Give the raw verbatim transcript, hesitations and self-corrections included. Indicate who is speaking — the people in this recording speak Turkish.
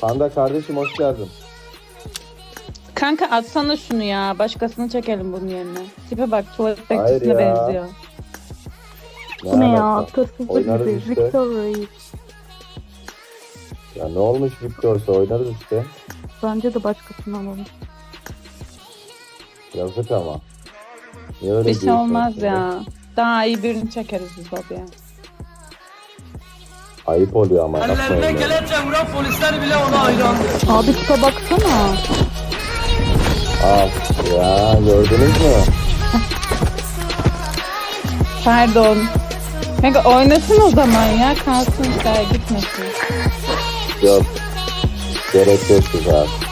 Speaker 1: Panda kardeşim hoş geldin.
Speaker 2: Kanka atsana şunu ya. Başkasını çekelim bunun yerine. Tipe bak, tuvalet
Speaker 1: Hayır
Speaker 2: bekçisine
Speaker 1: ya.
Speaker 2: benziyor.
Speaker 3: Bu ne ya?
Speaker 1: alaka?
Speaker 3: Tırsızlık
Speaker 1: Oynarız
Speaker 3: gibi.
Speaker 1: işte.
Speaker 3: Victor Reis.
Speaker 1: Ya ne olmuş Victor'sa oynarız işte.
Speaker 3: Bence de başkasını alalım.
Speaker 1: Yazık ama. Niye öyle
Speaker 2: Bir şey
Speaker 1: diyorsun
Speaker 2: olmaz
Speaker 1: şimdi?
Speaker 2: ya. Daha iyi birini çekeriz biz babaya.
Speaker 1: Ayıp oluyor ama
Speaker 4: Ellerine
Speaker 1: yapmayın. böyle.
Speaker 4: kelepçe vuran polisler bile ona hayran.
Speaker 3: Abi tipe baksana.
Speaker 1: Al ya gördünüz mü?
Speaker 2: Pardon. Kanka oynasın o zaman ya. Kalsın işte, gitmesin.
Speaker 1: Yok. Gerek yok güzel.